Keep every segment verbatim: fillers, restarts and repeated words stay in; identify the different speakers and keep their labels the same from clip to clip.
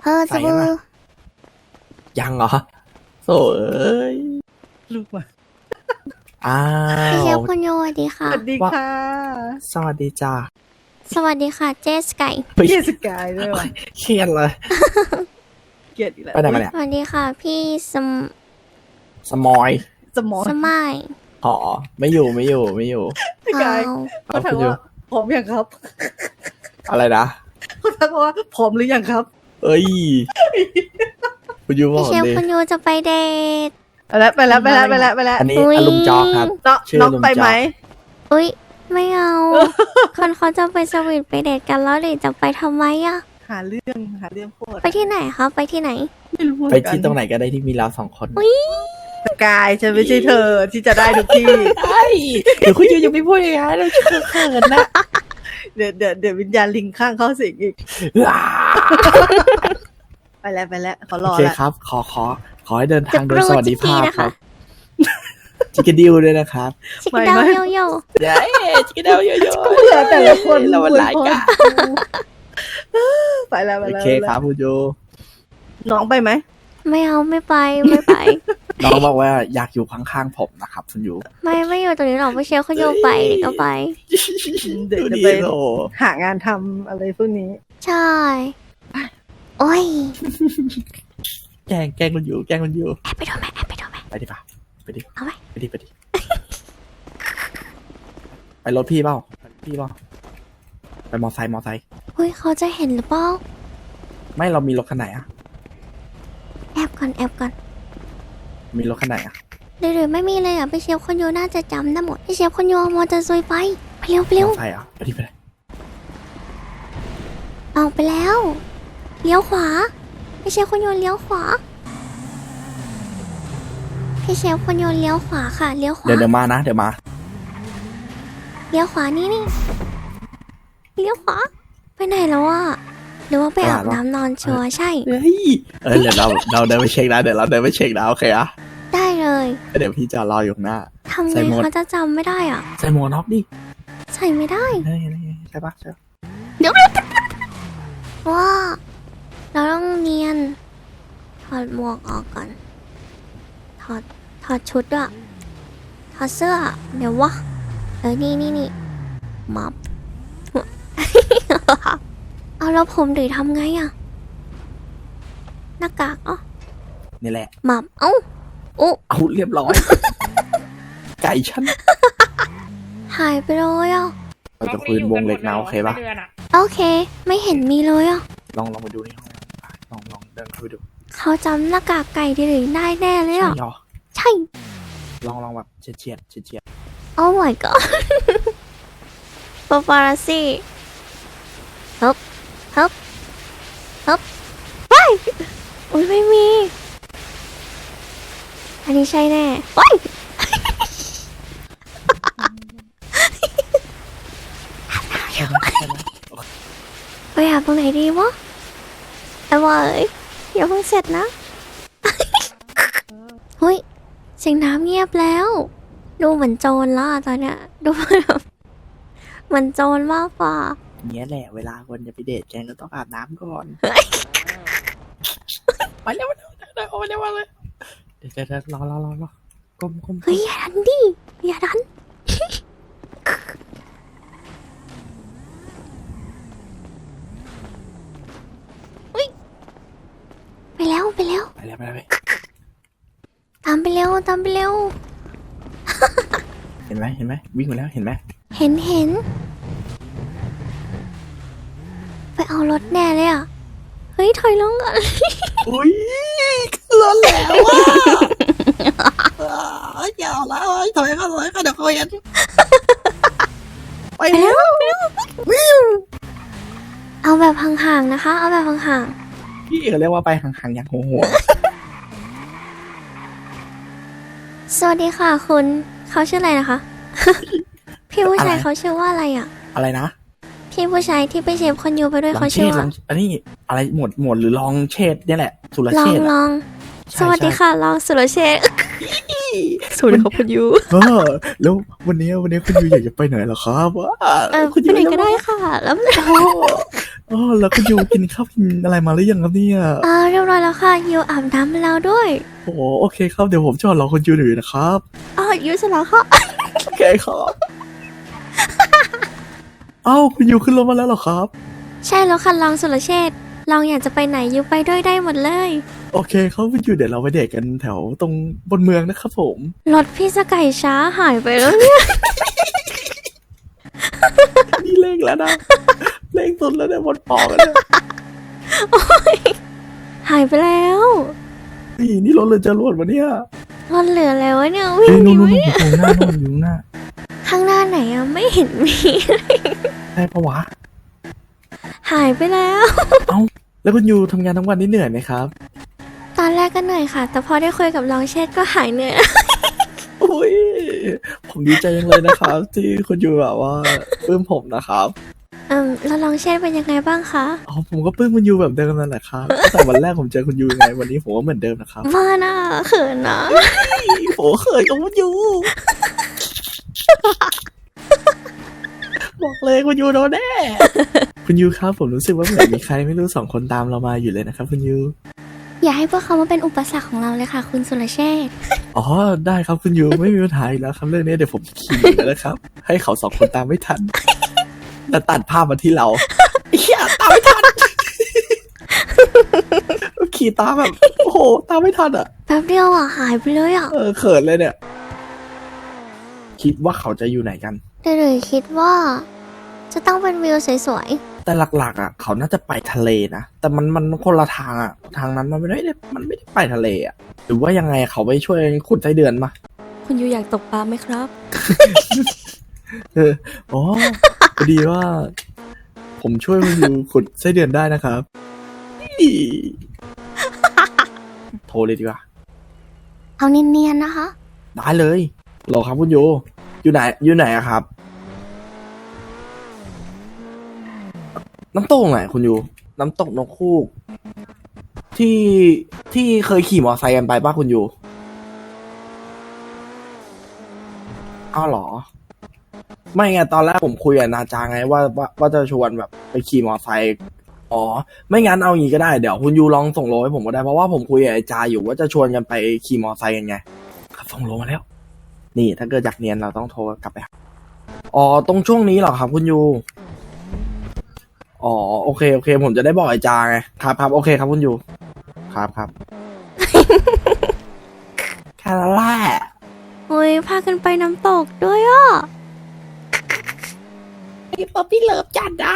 Speaker 1: อจะบู
Speaker 2: ยังเหรอโถ่เอ้ย
Speaker 3: ลูกมา
Speaker 2: อ้า
Speaker 1: พี่เชฟ
Speaker 2: ว
Speaker 1: คุณโยสวัสดี
Speaker 3: ส
Speaker 1: ค่ะ
Speaker 3: วัสดีค่ะ
Speaker 2: สวัสดีจ้า
Speaker 1: สวัสดีค่ะเจสไก่
Speaker 3: เกียสกายด้วยวะ
Speaker 2: เครียดเลย
Speaker 3: เกียดอีกแล้ว
Speaker 2: ไปไหนมาเนี่ย
Speaker 1: สวัสดีค่ะพี่สม
Speaker 2: สมอย
Speaker 3: สมอง
Speaker 1: สมัย
Speaker 2: อ๋อไม่อยู่ไม่อยู่ไม่อยู่
Speaker 3: กายเขาถามว่าผอมยังครับ
Speaker 2: อะไรนะ
Speaker 3: เขาถามว่าผอมหรือยังครับ
Speaker 2: เอ้ยคุณยูบอก
Speaker 1: พี่เชฟคุณโยจะไปเดท
Speaker 3: ไปแล้วไปแล้วไปแล้วไปแล้วไปแล้ว
Speaker 2: อันนี้อลุงจอครับ
Speaker 3: น้องไปไหม
Speaker 1: อุ้ยไม่เอาคนเขาจะไปสวีทไปเดทกันแล้วเดทจะไปทำไมอะ
Speaker 3: หาเรื่องหาเรื่องโคตร
Speaker 1: ไปที่ไหนคะไปที่ไหน
Speaker 3: ไม่รู้
Speaker 2: ไปที่ตรงไหนก็ได้ที่มีเราสองคน
Speaker 3: กายจะไม่ใช่เธอที่จะได้ทุกที่
Speaker 2: ใช่เดี๋ยวคุณยูยังไม่พูดอย่างนั้นเราจะเขินนะ
Speaker 3: เดี๋ยวเดี๋ยวเดี๋ยววิญญาณลิงข้างเข้าสิงอีกไปแล้วไปแล้วขอรอแล้วโอเค
Speaker 2: ครับขอขอขอให้เดินทางโดยสวัสดิภาพครับจิกกดิวด้วยนะครับ
Speaker 1: จิกดาวโยโย่
Speaker 2: เย้จิกกดาวโยโย่
Speaker 3: เบื่อแต่ละคน
Speaker 2: เราวันไลน์กัน
Speaker 3: ไปแล้วไปแล้ว
Speaker 2: โอเคครับคุณยู
Speaker 3: น้องไปไหม
Speaker 1: ไม่เอาไม่ไปไม่ไป
Speaker 2: น้องบอกว่าอยากอยู่ข้างๆผมนะครับคุณยู
Speaker 1: ไม่ไม่อยู่ตรงนี้หรอกพี่เชฟคุณโยไปเดี๋ยวก็ไป
Speaker 3: เดี๋ยวจะไปหางานทำอะไรพวกนี้
Speaker 1: ใช่โอ้ย
Speaker 2: แกล้งแกล้งคุณยูแกล้งคุณยู
Speaker 1: แอบไปดูไหมแอบไปดูไหม
Speaker 2: ไปดิป่ะไปดิ
Speaker 1: เอาไหม
Speaker 2: ไปดิไปดิไปรถพี่เปล่าพี่เปล่าไปมอไซค์มอไซค์
Speaker 1: เฮ้ยเขาจะเห็นหรือเปล่า
Speaker 2: ไม่เรามีรถคันไหนอะ
Speaker 1: แอบก่อนแอบก่อน
Speaker 2: มีรถคันไหนอะ
Speaker 1: หรือไม่มีเลยอ่ะพี่เชฟคนโยน่าจะจำได้หมดพี่เชฟคนโยมอเตอร์ไซค์ไปไปเร็วไปเร็ว
Speaker 2: มอไซค์อ่ะไปดิไปเลย
Speaker 1: ออกไปแล้วเลี้ยวขวาพี่เชฟคนโยเลี้ยวขวาพี่เชฟคนโยเลี้ยวขวาค่ะเลี้ยวขวา
Speaker 2: เดี๋ยวเดี๋ยวมานะเดี๋ยวมา
Speaker 1: เลี้ยวขวานี่นี่เลี้ยวขวาไปไหนแล้วอ่ะหรือว่าไปอาบน้ำนอนชัวร์ใช่
Speaker 2: เฮ้ยเออเดี๋ยวเราเราเดินไปเช็คนะเดี๋ยวเราเดินไปเช็คนะโอเคอะ
Speaker 1: ได้เลย
Speaker 2: เดี๋ยวพี่จะรออยู่หน้า
Speaker 1: ทำไงเขาจะจำไม่ได้อ่ะ
Speaker 2: ใส่หมวกน็อกดิ
Speaker 1: ใส่ไม่ได้
Speaker 2: ใช่ปะใช่
Speaker 1: เดี๋ยวว่าเราต้องเนียนถอดหมวกออกก่อนถอดถอดชุดอะถอดเสื้อเดี๋ยววะเออนี่นี่นี่มับเอาแล้วผมดือทำไงอะหน้ากากอ๋อ
Speaker 2: นี่แหละ
Speaker 1: มับเอ้าโอ้
Speaker 2: เอาเรียบร้อยไก่ฉัน
Speaker 1: หายไปเลยอ่ะ
Speaker 2: เราจะคุยวงเล็กนะโอเคปะ
Speaker 1: โอเคไม่เห็นมีเลยอ่ะ
Speaker 2: ลองลองไปดูในห้องลองลองเดินเข้าไปดู
Speaker 1: เขาจำหน้ากากไก่ดีหรือได้แน่เลยอ่ะใช่
Speaker 2: ลองลองแบบเฉียดเฉียดเฉียดเฉียด
Speaker 1: โอ้ my god ปาปาราซี่ฮึบฮึบฮึบไปอุ้ยไม่มีอันนี้ใช่แน่ไปไปหาตรงไหนดีวะไอ้วะเอ้ยอย่าเพิ่งเสร็จนะเฮ้ยเสียงน้ำเงียบแล้วดูเหมือนโจรละตอนเนี้ยดูแบบเหมือนโจรมากกว่า
Speaker 2: เนี้ยแหละเวลาคนจะไปเดทแกก็ต้องอาบน้ำก่อนไปเร็วไปเร็วไปเร็วไปเร็วเลยเดี๋ยวจะรอรอรอรอก้มก้ม
Speaker 1: เฮ้ยอย่าดันดิอย่าดันไปแล้วไปแล้ว
Speaker 2: ไปแล้วไปแล้ว
Speaker 1: ตามไปเร็วตามไปเร็ว
Speaker 2: เห็นไหมเห็นไหมวิ่งมาแล้วเห็นไหม
Speaker 1: เห็นเห็นไปเอารถแน่เลยอ่ะเฮ้ยถอยลงก่อน
Speaker 2: อุ้ยรถแล้วอ่ะอย่าแล้วถอยก็ถอยก็เดี๋ยวเขาเห็น
Speaker 1: ไปแล้วเอาแบบห่างๆนะคะเอาแบบห่าง
Speaker 2: ๆพี่เขาเรียกว่าไปห่างๆอย่างหัว
Speaker 1: สวัสดีค่ะคุณเขาชื่ออะไรนะคะพี่ผู้ชายเขาชื่อว่าอะไรอ่ะ
Speaker 2: อะไรนะ
Speaker 1: พี่ผู้ชายที่ไปเชฟคนยูไปด้วยเขาชื่อว่า
Speaker 2: อันนี้อะไรหมวดหมวดหรือลองเชษเนี่ยแหละสุรเชษ
Speaker 1: ลองลองสวัสดีค่ะลองสุรเชษสวัสดีครับคุณยู
Speaker 2: เออแล้ววันนี้วันนี้คุณยูอยากจะไปไหนเหรอครับว่า
Speaker 1: เออคุณไปไหนก็ได้ค่ะแล้ว
Speaker 2: อ๋อแล้วคุณยูกินข้าวกินอะไรมาหรือยังครับเนี่ย
Speaker 1: อ่าเรียบร้อยแล้วค่ะยูอาบน้ำมาแล้วด้วย
Speaker 2: โอ้โอเคครับเดี๋ยวผมจอดรอคุณยูหน่อยนะครับ
Speaker 1: อ๋อยูเสร็จแล้วค่ะ
Speaker 2: โอเคครับเอ้าคุณยูขึ้นรถมาแล้วเหรอครับ
Speaker 1: ใช่แล้วค่ะลองสุรเชษฐ์ลองอยากจะไปไหนยูไปด้วยได้หมดเลย
Speaker 2: โอเคครับคุณยูเดี๋ยวเราไปเดทกันแถวตรงบนเมืองนะครับผม
Speaker 1: รถพี่สไก่ช้าหายไปแล้วเนี่ย
Speaker 2: นี่เร่งแล้วนะเร่งสุดแล้วเนี่ยบนปอกแล้วเนี่ย
Speaker 1: หายไปแล้ว
Speaker 2: นี่นี่รถเลยจะรวดวะเนี่ย
Speaker 1: รถเหลือแล้ววะเนี่ยวิ่ง
Speaker 2: เฮ้ย
Speaker 1: หนี
Speaker 2: นู่น
Speaker 1: ไหม
Speaker 2: นู่นอยู่หน้านู่นอยู่หน้า
Speaker 1: ข้างหน้าไหนอะไม่เห็นมี
Speaker 2: ใช่ปะวะ
Speaker 1: หายไปแล้ว
Speaker 2: เอ้าแล้วคุณยูทำงานทั้งวันนี่เหนื่อยไหมครับ
Speaker 1: ตอนแรกก็เหนื่อยค่ะ แต่พอได้คุยกับลองเชษฐ์ก็หายเหนื่อย
Speaker 2: อุ้ยผมดีใจจังเลยนะครับ ที่คุณยูแบบว่าปลื้มผมนะครับ
Speaker 1: อืมแล้วลองเชษฐ์เป็นยังไงบ้างคะ
Speaker 2: อ๋อผมก็ปลื้มคุณยูแบบเดิมนั่นแหละครับตั้งแต่วันแรกผมเจอคุณยูยังไงวันนี้ผมก็เหมือนเดิมนะครับ
Speaker 1: ว่าน่าเขินนะ
Speaker 2: โอ้เขินกับคุณยูบอกเลยคุณยูโดนแน่ คุณยูครับผมรู้สึกว่าเหมือนมีใครไม่รู้สองคนตามเรามาอยู่เลยนะครับคุณยู
Speaker 1: อย่าให้พวกเขามาเป็นอุปสรรคของเราเลยค่ะ คุณสุรเชษฐ์
Speaker 2: อ๋อได้ครับคุณยูไม่มีปัญหาอีกแล้วครับเรื่องนี้เดี๋ยวผมขี่แล้วนะครับ ให้เขาสองคนตามไม่ทันแล้วตัดภาพมาที่เราเฮียตามไม่ทัน ขี่ตามแบบโอ้โหตามไม่ทันอ่ะ
Speaker 1: แป๊บเดียวอ่ะหายไปเลยอ่ะ
Speaker 2: เออเขินเลยเนี่ย คิดว่าเขาจะอยู่ไหนกัน
Speaker 1: แต่เลยคิดว่า จะต้องเป็นวิวสวย
Speaker 2: แต่หลักๆอ่ะเขาน่าจะไปทะเลนะแต่มันมันคนละทางอ่ะทางนั้นมันไม่ได้มันไม่ได้ไปทะเลอ่ะหรือว่ายังไงเขาไปช่วยขุดไส้เดือนมา
Speaker 1: ๆ คุณยูอยากตกปลาไหมครับ
Speaker 2: เอออ๋อพอดีว่า ผมช่วยคุณยูขุดไส้เดือนได้นะครับอี้โทรเลยดีกว่า
Speaker 1: เอาเนียนๆนะคะ
Speaker 2: ได้เลยรอครับคุณยูอยู่ไหนอยู่ไหนอะครับ น้ำตกไหนคุณยูน้ำตกนกคูกที่ที่เคยขี่มอเตอร์ไซค์กันไปป่ะคุณยูอ้าวเหรอ ไม่ไงตอนแรกผมคุยกับนาจาไงว่าว่าว่าจะชวนแบบไปขี่มอเตอร์ไซค์อ๋อไม่งั้นเอางี้ก็ได้เดี๋ยวคุณยูลองส่งโลให้ผมก็ได้เพราะว่าผมคุยกับไอ้จาอยู่ว่าจะชวนกันไปขี่มอเตอร์ไซค์กันไงครับส่งโลมาแล้ว นี่ถ้าเกิดอยากเนียนเราต้องโทรกลับไปหาอ๋อตรงช่วงนี้เหรอครับคุณยูอ๋อโอเคโอเค ผมจะได้บอกไอ้จาไงครับครับโอเคครับคุณยูครับครับ แค่นั้นแหละ
Speaker 1: โอ้ยพากันไปน้ำตกด้วยอ่ะ
Speaker 2: ไอ้ป๊อปปี้เลิฟจัดอ่ะ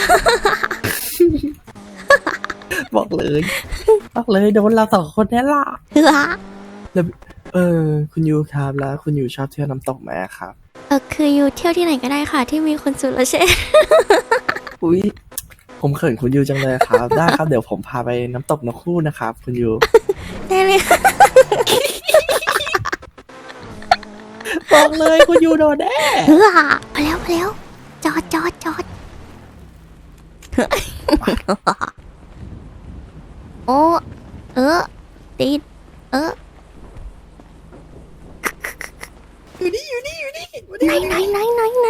Speaker 2: บอกเลยบอกเลยโดนเราสองคนแน่ล่ะ
Speaker 1: เฮ้อ
Speaker 2: แล้วเออคุณยูครับแล้วคุณยูชอบเที่ยวน้ำตกไหมครับ
Speaker 1: เออคือยูเที่ยวที่ไหนก็ได้ค่ะ ที่มีคุณสุรเชษฐ์
Speaker 2: อุ้ยผมเขินคุณยูจังเลยครับ ได้ครับเดี๋ยวผมพาไปน้ำตกนกคู่นะครับคุณยู
Speaker 1: ได้เลยค่ะ
Speaker 2: บอกเลยคุณยูโดนแน่
Speaker 1: เฮ้อพอแล้วพอแล้ว จอดจอดจอด โอ้เออติดเออ
Speaker 2: อยู่นี่อยู่นี่อยู่นี่
Speaker 1: ไหนไหนไหนไหนไหน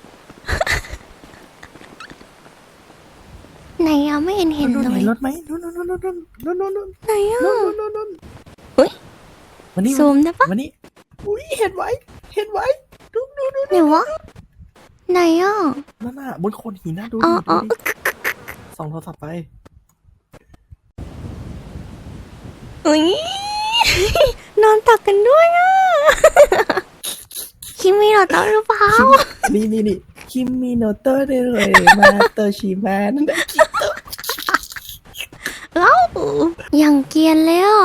Speaker 1: ไหนอะไม่เห็นเห็น
Speaker 2: นู่น
Speaker 1: เล
Speaker 2: เห็
Speaker 1: ย
Speaker 2: นรถไหมนู่นนู่นนู่นนู่นนู่นนู่นนู่น
Speaker 1: ไหนอะ
Speaker 2: นู่นนู่นนู่น
Speaker 1: เฮ้ย
Speaker 2: วันนี้
Speaker 1: ซูมได้ปะ
Speaker 2: วันนี้อุ้ยเห็นไว้เห็นไว้ดูดูดู
Speaker 1: ไหนวะไหนอ่ะ
Speaker 2: นั่นน่ะบนโคนหินนะดู
Speaker 1: อ๋อ
Speaker 2: ดิ
Speaker 1: อ๋
Speaker 2: ดู
Speaker 1: อ
Speaker 2: ดิส่องโทรศัพท์ไป
Speaker 1: อุ้ย นอนตักกันด้วยอ่ะ คิมมี่เราต้องหรือเปล่า
Speaker 2: นี่นี่นี่คิมมิโนโตะได้เลยมาเตอร์ชิมานั่นแหละ
Speaker 1: เอ้าอย่างเกรียนเลยอ่ะ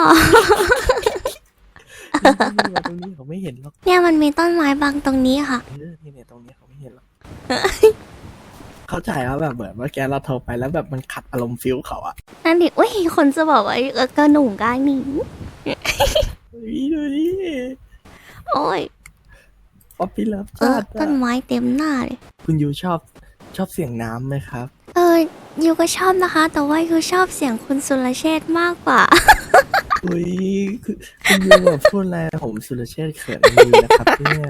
Speaker 2: นี่มาตรงนี้เขาไม่เห็นหรอก
Speaker 1: เนี่ยมันมีต้นไม้บังตรงนี้ค่ะ
Speaker 2: เออนี่เนี่ยตรงนี้เขาไม่เห็นหรอก เข้าใจว่าแบบเหมือนเมื่อกี้เราโทรไปแล้วแบบมันขัดอารมณ์ฟิลเขาอะ
Speaker 1: นั่นดิอุ้ยคนจะบอกว่าเออกระหนุ่งกายหนิง
Speaker 2: เฮ้ยดูดิ
Speaker 1: โอ้ย
Speaker 2: ป๊อปปี้เลิฟ
Speaker 1: เอ
Speaker 2: จั
Speaker 1: อ
Speaker 2: ด
Speaker 1: ต้น
Speaker 2: อะ
Speaker 1: ไม้เต็มหน้าเลย
Speaker 2: คุณยูชอบชอบเสียงน้ำไหมครับ
Speaker 1: เออยูก็ชอบนะคะ แต่ว่ายูชอบเสียงคุณสุรเชษฐ์มากกว่า
Speaker 2: อุ้ยคือคุณยูแบบพูดอะไรผมสุรเชษฐ์เขินมือนะครับเนี่ย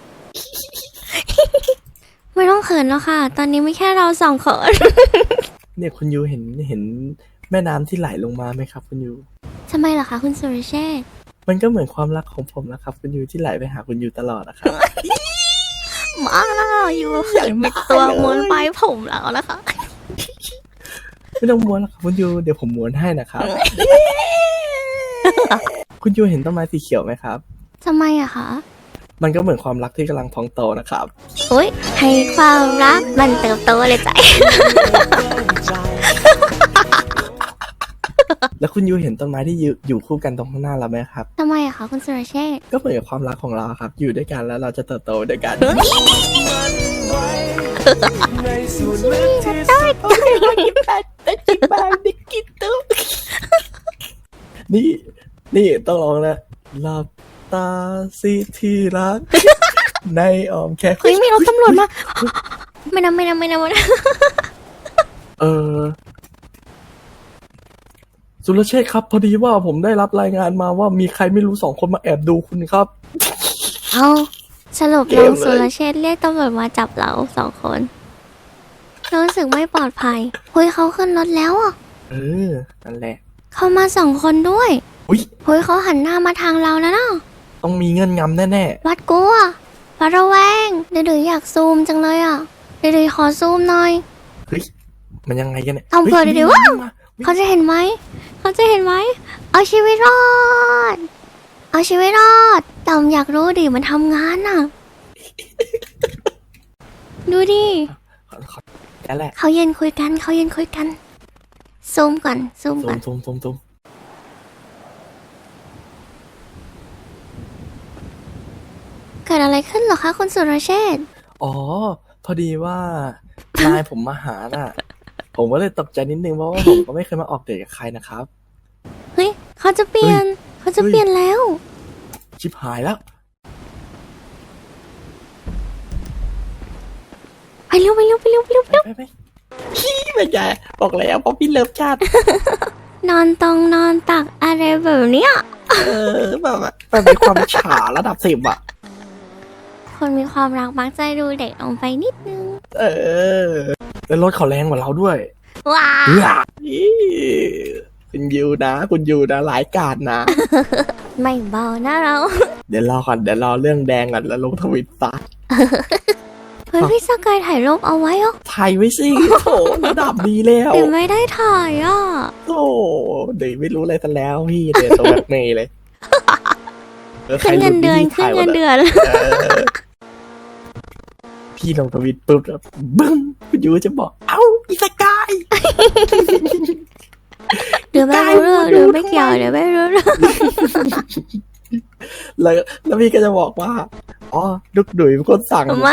Speaker 1: ไม่ต้องเขินแล้วค่ะ ตอนนี้ไม่แค่เราสองคน
Speaker 2: เนี่ยคุณยูเห็นเห็นแม่น้ำที่ไหลลงมาไหมครับ คุณยู
Speaker 1: ทำไมล่ะคะคุณสุรเชษฐ์
Speaker 2: มันก็เหมือนความรักของผมนะครับ คุณยูที่ไหลไปหาคุณยูตลอดนะครับ
Speaker 1: มาอยู่อย่างมีตัวม้วนปลายผมแล้วนะคะ
Speaker 2: ไม่ต้องม้วนหรอกครับคุณยูเดี๋ยวผมม้วนให้นะครับ คุณยูเห็นต้นไม้สีเขียวไหมครับ
Speaker 1: ทำไมอะคะ
Speaker 2: มันก็เหมือนความรักที่กำลังพองโตนะครับ
Speaker 1: อุ้ยให้ความรักมันเติบโตเลยใจ
Speaker 2: แล้วคุณยูเห็นต้นไม้ที่อยู่อยู่คู่กันตรงข้างหน้าเราไหมครับ
Speaker 1: ทำไมอะคะคุณสุรเชษฐ์
Speaker 2: ก็เหมือนกับความรักของเราครับ อยู่ด้วยกันแล้วเราจะเติบโตด้วยกัน นี่ นี่ต้องลองนะหลับตาสิที่รัก ในอ้อมแค่
Speaker 1: เฮ้ยมีรถตำรวจมา ไม่นะไม่นะไม่นะไม่นะ
Speaker 2: เออสุรเชษฐ์ครับ พอดีว่าผมได้รับรายงานมาว่ามีใครไม่รู้สองคนมาแอบดูคุณครับ
Speaker 1: เอาสรุป
Speaker 2: เก
Speaker 1: น้อ
Speaker 2: ม
Speaker 1: ง
Speaker 2: เลย
Speaker 1: สุรเชษฐ์เรียกตำรวจมาจับเราสองคนรู้สึกไม่ปลอดภัยเฮ้ยเขาขึ้นรถแล้วอ่ะ
Speaker 2: เออ นั่นแหละ
Speaker 1: เขามาสองคนด้วย
Speaker 2: อุ้ย
Speaker 1: เฮ้ยเขาหันหน้ามาทางเราแล้วนะ
Speaker 2: ต้องมีเงื่อนงำแน่
Speaker 1: วัดกลัววัดระแวงเดี๋ยวๆอยากซูมจังเลยอ่ะเดี๋ยวๆขอซูมหน่อย
Speaker 2: ๆเฮ้ย มันยังไงกันเนี่ย
Speaker 1: ทำเผื่อ
Speaker 2: ฮ้
Speaker 1: เดี๋ยวๆว้าว
Speaker 2: มา
Speaker 1: เขาจะเห็นไหม เขาจะเห็นไหม เอาชีวิตรอด เอาชีวิตรอดต่อมอยากรู้ดิมันทำงานอ่ะ ดูดิ
Speaker 2: ขอขอแค่แหละ
Speaker 1: เขาเย็นคุยกันเขาเย็นคุยกัน ซูมก่อน ซูม
Speaker 2: ซู
Speaker 1: ก่อ
Speaker 2: ม
Speaker 1: น
Speaker 2: ซูมซูมซูม
Speaker 1: เกิดอะไรขึ้นเหรอคะคุณสุรเชษฐ์
Speaker 2: อ๋อ พอดีว่า นายผมมาหาน่ะ ผมก็เลยตกใจนิดนึงเพราะว่าผมก็ไม่เคยมาออกเดทกับใครนะครับ
Speaker 1: เฮ้ย เขาจะเปลี่ยน เขาจะเปลี่ยนแล้ว
Speaker 2: ชิบหายแล้ว
Speaker 1: ไปเร็วไปเร็วไปเร็วไปเร็วไปเร็ว
Speaker 2: ไปไปพี่ไม่ใช่บอกแล้วเพราะพี่เลิฟชาติ
Speaker 1: นอนตรงนอนตักอะไรแบบเนี้ย
Speaker 2: เออแบบว่ามันเป็นความฉาระดับสิบอะ
Speaker 1: คนมีความรักมักจะดูเด็กลงไปนิดนึง
Speaker 2: เออ แล้วรถเขาแรงกว่าเราด้วย
Speaker 1: ว้า
Speaker 2: เฮ้ยอี้คุณยูนะ คุณยูนะหลายกาดนะ
Speaker 1: ไม่เบานะเรา
Speaker 2: เดี๋ยวรอก่อนเดี๋ยวรอเรื่องแดงก่อนแล้วลงทวิตตา
Speaker 1: เฮ้ยพี่สกายถ่ายรูปเอาไว้เหรอ
Speaker 2: ถ่ายไว้สิโถระดับดีแล้ว
Speaker 1: เดี๋ยวไม่ได้ถ่ายอ่ะ
Speaker 2: โอ้เดี๋ยวไม่รู้อะไรซะแล้วพี่เดี๋ยวตัวแบล็กเมย์เลยออใคร
Speaker 1: ขึ้น
Speaker 2: หลุ
Speaker 1: เงินเดือน
Speaker 2: พี่
Speaker 1: ขึ้น
Speaker 2: ถ่ายหม
Speaker 1: เงิน
Speaker 2: อะ
Speaker 1: เดือน
Speaker 2: เออพี่ลงทวิตปุ๊บแล้วบึ้มคุณยูจะบอก เอ้าอีสกาย
Speaker 1: เดี๋ยวไม่รู้เรื่องเดี๋ยวไม่เกี่ยวเดี๋ยวไม่รู้เรื่อง
Speaker 2: แล้วแล้วพี่ก็จะบอกว่า อ๋อดุกดุยเป็นคนสั่ง
Speaker 1: ไม่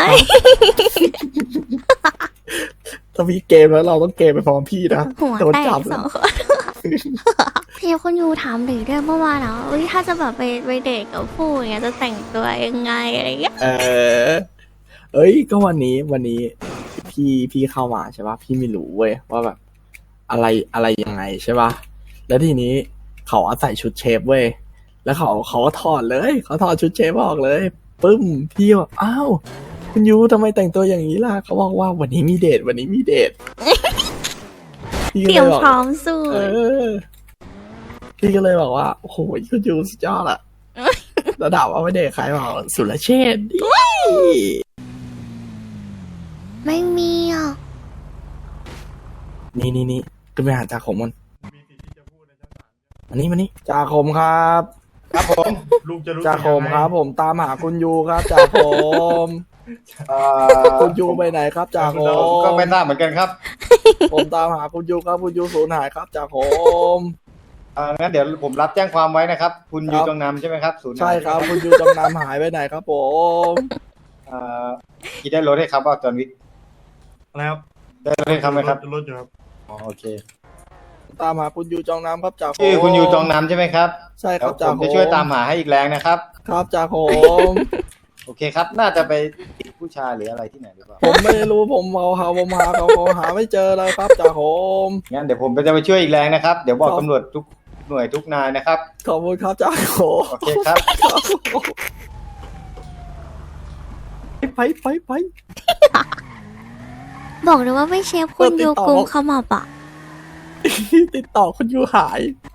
Speaker 2: ถ้าพี่เกมแล้วเราต้องเกมไปพร้อมพี่นะ
Speaker 1: หัว
Speaker 2: โดน
Speaker 1: แต
Speaker 2: จั
Speaker 1: ก
Speaker 2: บ
Speaker 1: สองคน พี่คุณยูถามหรือด้วยเมื่อวานเนาะว่าถ้าจะแบบไปไปเดทกับผู้อย่างเงี้ยจะแต่งตัวยังไงอะไรเงี้ย
Speaker 2: เออ เอ้ย ก็วันนี้วันนี้ พี่พี่เข้ามาใช่ปะพี่ไม่รู้เว้ยว่าแบบ อะไรอะไรยังไงใช่ปะแล้วทีนี้เขาอาศัยชุดเชฟเว้ยแล้วเขาเขาก็ถอดเลยเขาถอดชุดเชฟออกเลยปึ้มพี่บอกอ้าวคุณยูทำไมแต่งตัวอย่างนี้ล่ะเขาบอกว่าวันนี้มีเดทวันนี้มีเดทพี่
Speaker 1: เต
Speaker 2: ก็
Speaker 1: รีย
Speaker 2: เล
Speaker 1: ม
Speaker 2: ยบอก
Speaker 1: พร้อมสู้
Speaker 2: เออ พี่ก็เลยบอกว่าโอ้โหคุณยูสุดยอดอะระดับว่าไม่เดทใครบอกสุรเชษฐ์ดิ
Speaker 1: ไม่มีอ่ะ
Speaker 2: นี่นี่นี่ขึ้นไปหาจ่าขมมันอันนี้มานี่จ่าขมครับ
Speaker 4: ครับผมลุงจะรู้
Speaker 2: จ่าขมครับ ผมตามหาคุณยูครับจ่าขม
Speaker 4: เอ่อ
Speaker 2: คุณยูไปไหนครับจ่าข
Speaker 4: เราก็
Speaker 2: ม
Speaker 4: ไม่ทราบเหมือนกันครับ
Speaker 2: ผมตามหาคุณยูครับคุณยูสูญหายครับจ่าขม
Speaker 4: เอ่องั้นเดี๋ยวผมรับแจ้งความไว้นะครับ คุณ
Speaker 2: ครับ
Speaker 4: ยูจงนำใช่ไหมครับศูนย์
Speaker 2: ใช่ครับ คุณยูจำนำหายไปไหนครับ ผม
Speaker 4: เอ่อคิดได้รถให้ครับว่าจอห์นวิก
Speaker 5: แล้ว
Speaker 4: ได้รถให้ครับไหมครับ
Speaker 5: รถอยู่ครับ
Speaker 4: อ๋อโอเค
Speaker 2: ตามหาคุณยูจองน้ำครับจ่าขม
Speaker 4: ชื่อคุณยูจงนำใช่ไหมครับ
Speaker 2: ใช่ค
Speaker 4: เดี๋
Speaker 2: รั
Speaker 4: ยว
Speaker 2: บ
Speaker 4: ผ
Speaker 2: จ่าม ข
Speaker 4: จะ
Speaker 2: ม
Speaker 4: ช่วยตามหาให้อีกแรงนะครับ
Speaker 2: ครับจ่าขม
Speaker 4: โอเคครับ น่าจะไปติดผู้ชายหรืออะไรที่ไหนหรือเปล่า
Speaker 2: ผมไม่รู้ผมเอาหาผมหาเขาเขาหาไม่เจอเลยครับจ่าขม
Speaker 4: งั้นเดี๋ยวผมจะไปช่วยอีกแรงนะครับ เดี๋ยวบอก
Speaker 2: ครับ
Speaker 4: ตำรวจทุกหน่วยทุกนายนะครับ
Speaker 2: ขอบคุณครับจ่าขม
Speaker 4: โอเคครับ
Speaker 2: ไปไปไป
Speaker 1: บอกเลยว่าไม่เชฟคุณ
Speaker 2: เปิดติด
Speaker 1: ยู
Speaker 2: ต่อ
Speaker 1: กุมขมับอ่ะ
Speaker 2: ติดต่อคุณยูหาย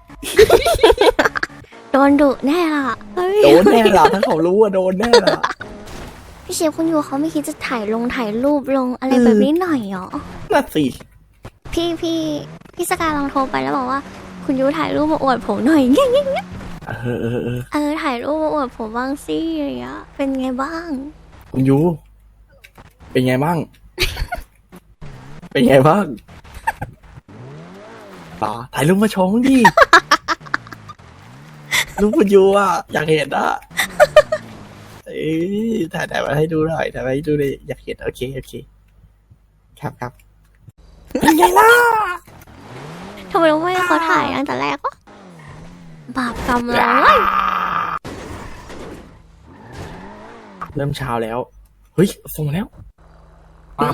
Speaker 1: โดนดุแน่ล่ะเฮ้ย
Speaker 2: โดนแน่ล่ะถ้าเขารู้ว่าโดนแน่ล่ะ
Speaker 1: พี่เชฟคุณยูเขาไม่คิดจะถ่ายลงถ่ายรูปลงอะไรแบบนี้หน่อยเหรอ
Speaker 2: น่าสิ
Speaker 1: พี่พี่พี่สกายลองโทรไปแล้วบอกว่า คุณยูถ่ายรูปมาอวดผมหน่อยเงี้ยเงี้ยเงี้ย
Speaker 2: เออเออเออ
Speaker 1: เออถ่ายรูปมาอวดผมบ้างสิอะไรเงี้ยเป็นไงบ้าง
Speaker 2: คุณยูเป็นไงบ้าง เป็นไงบ้างป่าถ่ายรูปมาโชว์มั้งดิ รูปคุณยูอ่ะอยากเห็นอ่ะเอ้ยถ่ายถ่ายมาให้ดูหน่อยถ่ายมาให้ดูเลยอยากเห็นโอเคโอเคครับครับเป็นไงล่ะ
Speaker 1: ทำไมไม่ให้เขาถ่ายตั้งแต่แรกวะบาปกรรมเลย
Speaker 2: เริ่มเช้าแล้วเฮ้ยส่งมาแล้วปั๊บ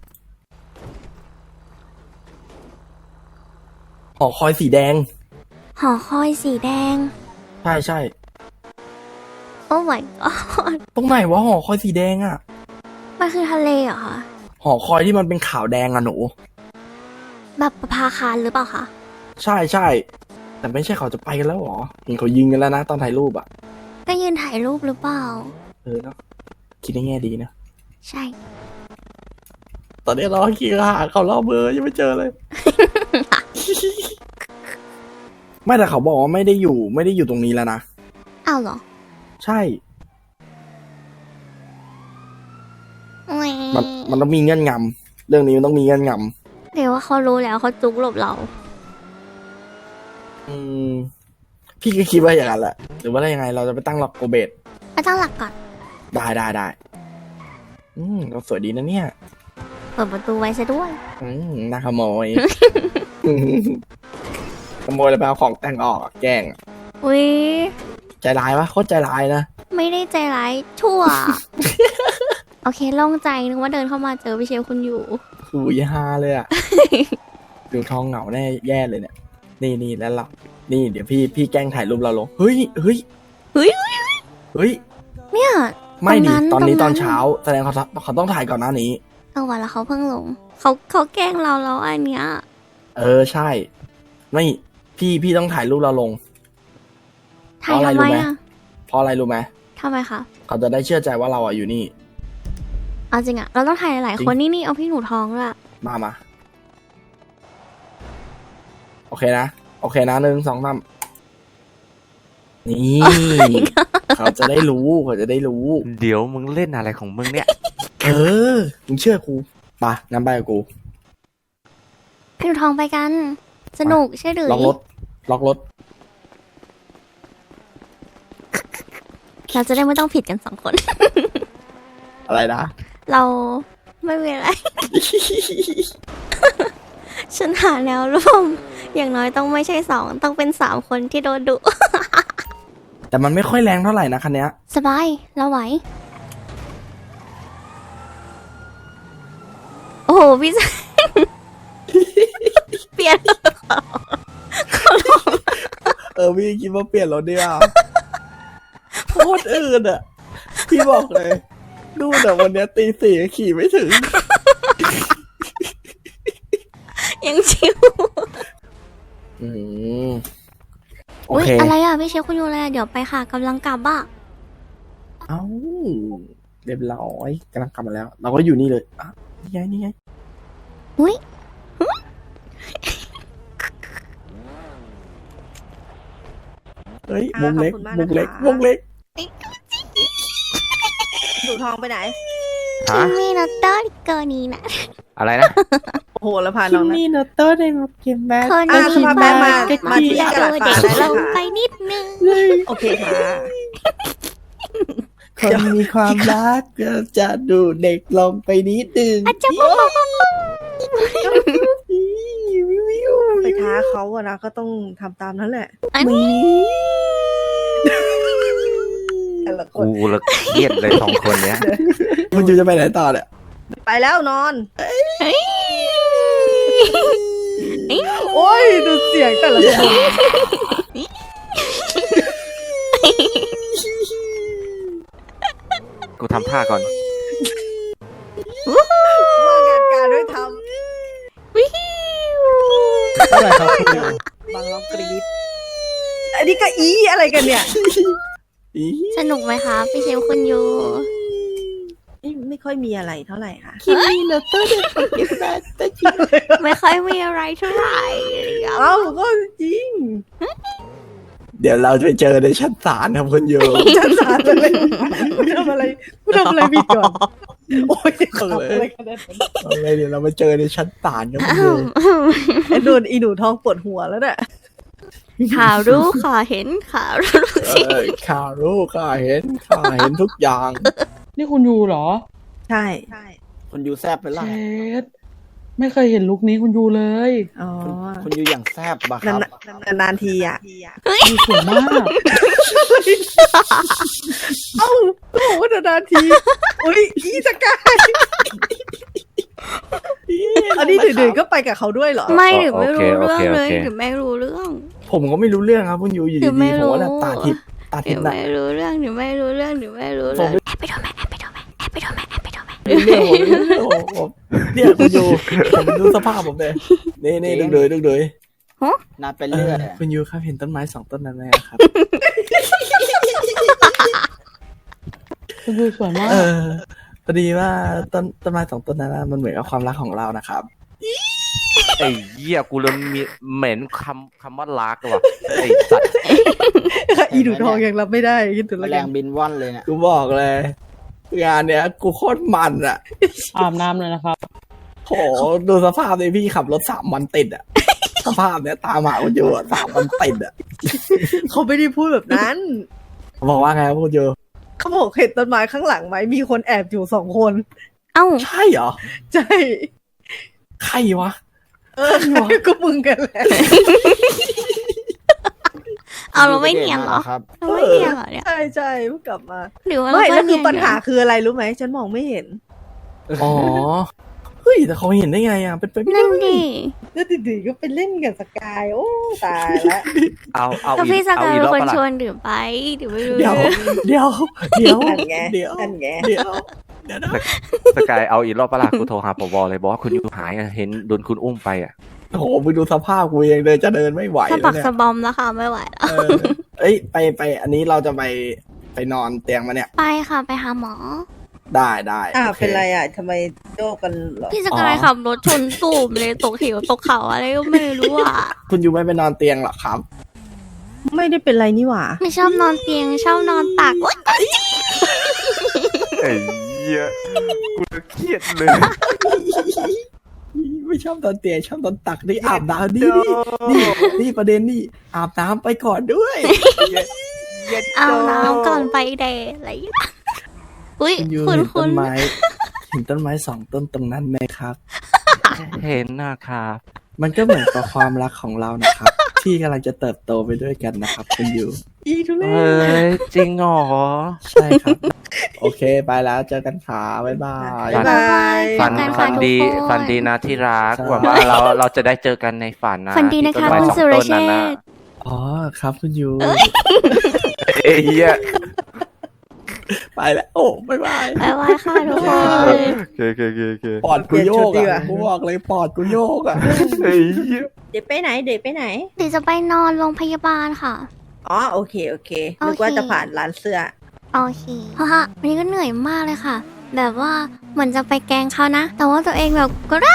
Speaker 2: หอคอยสีแดง
Speaker 1: หอคอยสีแดง
Speaker 2: ใช่ใช่
Speaker 1: โอ้ my god
Speaker 2: ตรงไหนวะหอคอยสีแดงอ่ะ
Speaker 1: มันคือทะเลเหรอคะ
Speaker 2: หอคอยที่มันเป็นขาวแดงอะหนู
Speaker 1: แบบประภาคารหรือเปล่าคะ
Speaker 2: ใช่ใช่แต่ไม่ใช่เขาจะไปกันแล้วหรอเห็นเขายิงกันแล้วนะตอนถ่ายรูปอ่ะ
Speaker 1: ก็ยืนถ่ายรูปหรือเปล่า
Speaker 2: เออเนาะคิดในแง่ดีนะ
Speaker 1: ใช่
Speaker 2: ตอนนี้รอขี่หาเขารอเบอร์ยังไม่เจอเลย ไม่แต่เขาบอกว่าไม่ได้อยู่ไม่ได้อยู่ตรงนี้แล้วนะ
Speaker 1: อ้าวเหรอ
Speaker 2: ใช่ มันมันต้องมีเงื่อนงำเรื่องนี้มันต้องมีเงื่อนง
Speaker 1: เดี๋ยวว่าเขารู้แล้วเขาจุกหลบเรา
Speaker 2: ำอืมพี่ก็คิดว่าอย่างนั้นแหละ หรือว่าอะไรยังไงเราจะไปตั้งหลักโกเบต
Speaker 1: ไปตั้งหลักก่อน
Speaker 2: ได้ได้ได้อืมเราสวยดีนะเนี่ย
Speaker 1: เปิดประตูไว้ซะด้วย
Speaker 2: อืมน่าขโมย ขโมยแล้วไปเอาของแต่งออกอะแกล้งอะ
Speaker 1: อุ้ย
Speaker 2: ใจร้ายปะโคตรใจร้ายนะ
Speaker 1: ไม่ได้ใจร้ายชั่ว โอเคโล่งใจนึกว่าเดินเข้ามาเจอพี่เชฟคุณอยู่
Speaker 2: หูยฮาเลย อ่ะ ดูท้องเหงาแน่แย่เลยเนี่ย นี่นี่แล้วเรานี่เดี๋ยวพี่พี่แกล้งถ่ายรูปเราลง เฮ้ยเฮ้ย
Speaker 1: เฮ้ย
Speaker 2: เฮ้ย
Speaker 1: เนี่ย
Speaker 2: ไม่ดิ
Speaker 1: ตรงนั้น
Speaker 2: ตอนนี้
Speaker 1: ต
Speaker 2: ต
Speaker 1: ร
Speaker 2: อง น
Speaker 1: นั้น
Speaker 2: เช้า แสดงเขาเขาต้องถ่ายก่อนหน้านี้
Speaker 1: เออวันแล้วเขาเพิ่งลง เขาเขาแกล้งเราแล้วอันเนี้ย
Speaker 2: เออใช่ ไม่พี่พี่ต้องถ่ายรูปเราลง
Speaker 1: ถ่าย
Speaker 2: เพราะอะไร
Speaker 1: ทำไม
Speaker 2: รู้ไหม
Speaker 1: อ่ะ
Speaker 2: เพราะอะไรรู้ไหม
Speaker 1: ทำไมคะ
Speaker 2: เขาจะได้เชื่อใจว่าเราอ่ะอยู่นี่
Speaker 1: เอาจริงอ่ะ เราต้องถ่ายหลายๆคนนี่นี่เอาพี่หนูท้องด้วยอะ
Speaker 2: มามาโอเคนะโอเคนะหนึ่งสองสามนี่ เขาจะได้รู้เขาจะได้รู้
Speaker 5: เดี๋ยวมึงเล่นอะไรของมึงเนี่ย
Speaker 2: เออมึงเชื่อกูปะงั้นไปกับกู
Speaker 1: พี่หนูท้องไปกัน สนุกใช่หรือ
Speaker 2: ล็อกรถล็อกรถ
Speaker 1: เราจะได้ไม่ต้องผิดกันสองคน
Speaker 2: อะไรนะ
Speaker 1: เราไม่มีอะไร ฉันหาแนวร่วม อย่างน้อยต้องไม่ใช่สองต้องเป็นสามคนที่โดนดุ
Speaker 2: แต่มันไม่ค่อยแรงเท่าไหร่นะคันเนี้ย
Speaker 1: สบาย เราไหว โอ้โห พี่แซม เปลี่ยน
Speaker 2: เออพี่คิดว่าเปลี่ยนรถดีอ่ะ โคตรอื่นอ่ะ พี่บอกเลย ดูแต่วันเนี้ยตีสี่ขี่ไม่ถึง
Speaker 1: ยังชิว
Speaker 2: อืมโอ
Speaker 1: อุ้ย
Speaker 2: เค
Speaker 1: อะไรอ่ะ พี่เชฟคุณยูอะไรอะเดี๋ยวไปค่ะกำลังกลับอ่ะ
Speaker 2: เอ้าเรียบร้อยกำลังกลับมาแล้ว เราก็อยู่นี่เลยอ่ะนี่ไงนี่ไง
Speaker 1: อุ้ย
Speaker 2: เฮ้ย
Speaker 3: อ่ะ
Speaker 2: มุมเล็ก
Speaker 3: ขอบคุณมาก
Speaker 2: มุมเล็ก
Speaker 3: นะคะ
Speaker 2: มุมเล็ก
Speaker 3: ดูทองไปไหน
Speaker 5: ฮะ
Speaker 1: มีนัตเตอร์เกินนี้นะ
Speaker 5: อะไรนะ
Speaker 3: โอ้โหแล้วพาน้องนะ
Speaker 2: นี่นะโต้ได้มาเก็บแม่
Speaker 1: คน
Speaker 3: อ่ะ
Speaker 1: คิด
Speaker 3: สภาพ
Speaker 1: ว่า
Speaker 3: มา
Speaker 1: จะ
Speaker 3: มาที่
Speaker 1: จะ
Speaker 3: ตลาด
Speaker 1: ดู
Speaker 3: ปลา
Speaker 1: เด็ก
Speaker 3: ได้
Speaker 1: ล
Speaker 3: เลย
Speaker 1: ง
Speaker 3: ค่ะ
Speaker 1: ไปนิดนึง
Speaker 3: โอเคค่ะ
Speaker 2: คนมีความรักก็จะดูเด็กลงไปนิดนึง
Speaker 1: อาจจะบอกว่า
Speaker 3: ไปท้าเขาอะนะก็ต้องทำตามนั้นแหละ
Speaker 1: อันนี้
Speaker 3: แต่ละค
Speaker 5: กู
Speaker 3: น
Speaker 5: ละเครียดเลยสองคนเนี้ย
Speaker 2: คุณจูจะไปไหนต่อเนี่ย
Speaker 3: ไปแล้วนอน โอ้ยดูเสียงแต่ละคน
Speaker 5: กูทำท่าก่อน
Speaker 3: ว่างานการด้วยท
Speaker 1: วิว
Speaker 6: เท่าไหร่ครับคุณยู
Speaker 3: บางร้องกรีดอันนี้ก็อีอะไรกันเนี่ย
Speaker 2: อี
Speaker 1: สนุกไหมคะพี่เชฟคุณยู
Speaker 3: ไม่ไม่ค่อยมีอะไรเท่าไหร่ค่ะ
Speaker 2: คิมิโนโตะเดโตะเก็บแบตแต่จิ
Speaker 1: ไม่ค่อยมีอะไรเท่าไหร่อะไรอย่างเงี้ย
Speaker 3: เอ้าก็จริง
Speaker 2: เดี๋ยวเราจะไปเจอในชั้นศาลครับคุณยู
Speaker 3: ฉันสารอะไรกูทำอะไรกูทำอะไรผิดก่อน โอ้ยขับอะไรกันเนี่ย
Speaker 2: เอาเลยเดี๋ยวเราไปเจอในชั้นศาลครับคุณยู
Speaker 3: ไอ้โดนอีหนูทองปวดหัวแล้วเนี่ย
Speaker 1: ข่าวรู้ข่าวเห็นข่าวรู้สิ
Speaker 2: เออข้ารู้ข้าเห็นข้าเห็นทุกอย่าง
Speaker 6: นี่คุณยูเหรอ
Speaker 3: ใช่
Speaker 7: คุณยูแซบไป
Speaker 6: เช
Speaker 7: ล่ะ
Speaker 6: ดไม่เคยเห็นลุคนี้คุณยูเลย
Speaker 3: อ๋อ
Speaker 7: คุณยูอย่างแซบบ่ะค
Speaker 3: นา
Speaker 7: รับ
Speaker 3: นๆนานๆทีอ่ะ
Speaker 6: ยูสวยมาก
Speaker 3: เอ้าโอ้โหนานๆที อุ้ยอีสกายอันนี้ดื้อๆก็ไปกับเขาด้วยเหรอ
Speaker 1: ไม่หรือไม่รู้
Speaker 5: โอ
Speaker 1: เรื่อง
Speaker 5: เค
Speaker 1: เล
Speaker 5: โอย เค
Speaker 1: หรือไม่รู้เรื่อง
Speaker 2: ผมก็ไม่รู้เรื่องครับคุณยูอยู่
Speaker 1: คือ
Speaker 2: ดี
Speaker 1: ไม่
Speaker 2: ๆผม
Speaker 1: รู้
Speaker 2: ว่าแบบตาทิพย์ตา
Speaker 1: ห
Speaker 2: ทิ
Speaker 1: รื
Speaker 2: พ
Speaker 1: อ
Speaker 2: ย์น่ะ
Speaker 1: ไม่รู้เรื่องหรือไม่รู้เรื่องหรือไม่รู้
Speaker 2: ผ
Speaker 1: เรื่อ
Speaker 2: ม
Speaker 1: งแอบไปดูไหมแอบไปดูไหมแอบไปดูไหมแอบไปดูไหม
Speaker 2: เรื่องผมเรื่องผมผมเนี่ยคุณยูผมดูสภาพผมเลยนี่นี่ดูเลยดูเลย
Speaker 7: นัดไป
Speaker 2: เอ
Speaker 7: เรื่
Speaker 2: อ
Speaker 7: อยอะ
Speaker 2: คุณยูครับเห็นต้นไม้สองต้นนั้นไหมครับ
Speaker 6: คุณยูสวยมาก
Speaker 2: เออพอดีว่าต้นต้นไม้สองต้นนั้นน่ะมันเหมือนกับความรักของเรานะครับ
Speaker 5: ไอ้เหี้ยกูเริ่มมีเหม็นคำคำว่ารักว่ะไอ้สัตว์
Speaker 3: อีหนูทองยังรับไม่ได้คิดถึง
Speaker 7: แม
Speaker 3: แล้ว
Speaker 7: ล
Speaker 3: กั
Speaker 7: ง
Speaker 3: น
Speaker 7: บินว่อนเลยเนี่ย
Speaker 2: กูบอกเลย งานเนี้ยกูโคตรมันอ่ะ
Speaker 6: อาบน้ำเลยนะครับ
Speaker 2: โหดูสภาพเลยพี่ขับรถสามวันติดอ่ะ สภาพเนี้ยตามหาคุณยูอะสามวันติดอ่ะ
Speaker 3: เขาไม่ได้พูดแบบนั้น
Speaker 2: บอกว่าไงครับคุณยู
Speaker 3: เขาบอกเห็นต้นไม้ข้างหลังไหมมีคนแอบอยู่สองคน
Speaker 1: เอ้า
Speaker 2: ใช่เหรอ
Speaker 3: ใช่
Speaker 2: ใครวะ
Speaker 3: เออก็มึงกันแหละ
Speaker 1: เอาเราไม่เนียนเหรอ
Speaker 7: ครับ
Speaker 1: เราไม่เนียนเหรอเนี่ย
Speaker 3: ใช่ใช่เพิ่งกลับมา
Speaker 1: หรือว่า
Speaker 3: ไม่
Speaker 1: เรา
Speaker 3: แล้วคือ
Speaker 1: เนียน
Speaker 3: ปัญหาคืออะไรรู้ไหมฉันมองไม่เห็น
Speaker 2: อ๋อ เฮ้ย แต่เขาเห็นได้ไงอ่ะ เป็นไปไม่ได้
Speaker 1: นั่นดิ
Speaker 3: แล้วดีๆก็ไปเล่นกับสกายโอ้ตายแล้ว
Speaker 5: เอาเอา
Speaker 1: ก็
Speaker 5: อี
Speaker 1: พี่
Speaker 5: ก
Speaker 1: ส
Speaker 5: เอา
Speaker 1: กาย
Speaker 5: อีก
Speaker 1: เป็น
Speaker 5: รอบ
Speaker 1: คน
Speaker 5: ปะล่ะ
Speaker 1: ชวนดื่มไปดื่มไม่รู้
Speaker 2: เดี๋ยว
Speaker 1: เรื่อง
Speaker 2: เดี๋ยว เดี๋ยว
Speaker 3: นั่นไง
Speaker 2: เดี๋ยว
Speaker 3: นั่นไง
Speaker 2: เดี๋ยว เดี๋ยวนะ
Speaker 5: สกายเอาอีกรอบปะล่ะกูโทรหาปวเลยบอกว่าคุณยูหายอะเห็นโดนคุณอุ้มไปอ่ะ
Speaker 2: โอ้โหมึงดูสภาพกูเองเลยจะเดินไม่ไหว
Speaker 1: สะ
Speaker 2: แล้
Speaker 1: บั
Speaker 2: ว
Speaker 1: ก
Speaker 2: เนี่ย
Speaker 1: สะบอมแล้วค่ะไม่ไหวแล้ว
Speaker 2: เออเอ้ย ไปไป อันนี้เราจะไปไปนอนเตียงมาเนี่ย
Speaker 1: ไปค่ะไปหาหมอ
Speaker 2: ได้ได้
Speaker 3: อ่า
Speaker 2: โอค
Speaker 3: เป็นไรอ่ะทำไมโยกกันเหรอ
Speaker 1: พี่สกายขับรถชนตูมเลยตกเหวตกเขาอะไรก็ไม่รู้อ่ะ
Speaker 2: คุณยูไม่ไปนอนเตียงหรอครับ
Speaker 3: ไม่ได้เป็นไรนี่หว่า
Speaker 1: ไม่ชอบนอนเตียงชอบนอนตักโอ๊ย
Speaker 5: ไอ้เหี้ยกูเครียดเลย
Speaker 2: ไม่ชอบนอนเตียงชอบนอนตักนี่อาบน้ำนี่นี่นี่นี่ประเด็นนี่อาบน้ำไปก่อนด้วย
Speaker 1: เอาน้ำก่อนไปเดทอะไรอย่างเงี้ยอุ้ย
Speaker 2: คุณยู
Speaker 1: คุณ
Speaker 2: เห็น
Speaker 1: คุ
Speaker 2: ต้
Speaker 1: ณ
Speaker 2: นไม้เห็นต้นไม้สองต้นตรงนั้นไหมครับ
Speaker 5: เห็นนะครับ
Speaker 2: มันก็เหมือนกับความรักของเรานะครับ ที่กำลังจะเติบโตไปด้วยกันนะครับคุณยู
Speaker 3: อีทุเร
Speaker 5: เฮ้
Speaker 3: ศ
Speaker 5: ยจริงเหรอ
Speaker 2: ใช่ครับ โอเคไปแล้วเจอกันขาบ๊ายบาย
Speaker 3: บ๊ายบาย
Speaker 5: ฝัน
Speaker 1: เจอกั
Speaker 5: ฝั
Speaker 1: ค่ะ
Speaker 5: น
Speaker 1: ทุก
Speaker 5: ดี
Speaker 1: คน
Speaker 5: ฝันดีนะที่รัก
Speaker 2: ใช่
Speaker 5: หวังว่าเราเราจะได้เจอกันในฝันนะ
Speaker 1: ฝันดีนะคะ
Speaker 5: ที่ต้ไม้
Speaker 1: คุณ
Speaker 5: สอง
Speaker 1: สุร
Speaker 5: ต้น
Speaker 1: เช
Speaker 5: นั้นนะ
Speaker 1: ษฐ์
Speaker 2: อ๋อครับคุณยู
Speaker 5: เอ้ยเหี้ย
Speaker 2: ไปแล้วโอ้บ๊ายบาย
Speaker 1: บ๊ายบายค่ะทุกคน
Speaker 5: โอเคโอเคโอเคโอเค
Speaker 2: ปอดกูโยกอ่ะกูบอกเลยปอดกูโยกอ่ะ
Speaker 5: เฮ้ยเหี้ย
Speaker 3: เดี๋ยวไปไหนเดี๋ยวไปไหน
Speaker 1: เดี๋ยวจะไปนอนโรงพยาบาลค่ะ
Speaker 3: อ๋อโอเคโอเคนึกว่าจะผ่านร้านเสื้อ
Speaker 1: โอเคเพราะฮะวันนี้ก็เหนื่อยมากเลยค่ะ แบบว่าเหมือนจะไปแกล้งเขานะ แต่ว่าตัวเองแบบก็ได้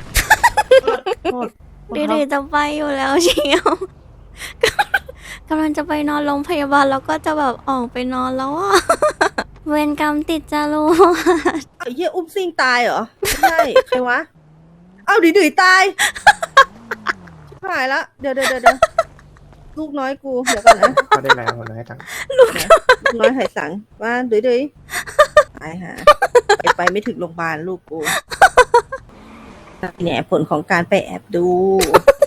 Speaker 1: เดี๋ยวๆจะไปอยู่แล้วเชียว กำลังจะไปนอนโรงพยาบาลแล้วก็จะแบบออกไปนอนแล้วอ่ะ เวรกรรมติดจรวด
Speaker 3: ไอ้เหี้ยอุ้มซิงตายเหรอไม่ใช่ใครวะเอ้าดื้อๆตายชิบหายละเดี๋ยวเดี๋ยวเดี๋ยวเดี๋ยวลูกน้อยกูเดี๋ยวก่อนนะ
Speaker 7: ก็ได้แล้วน้อยจัง
Speaker 3: ลูกน้อยหายสังว่าดื้อๆตายฮะไปไปไม่ถึงโรงพยาบาลลูกกูเนี่ยผลของการไปแอบดู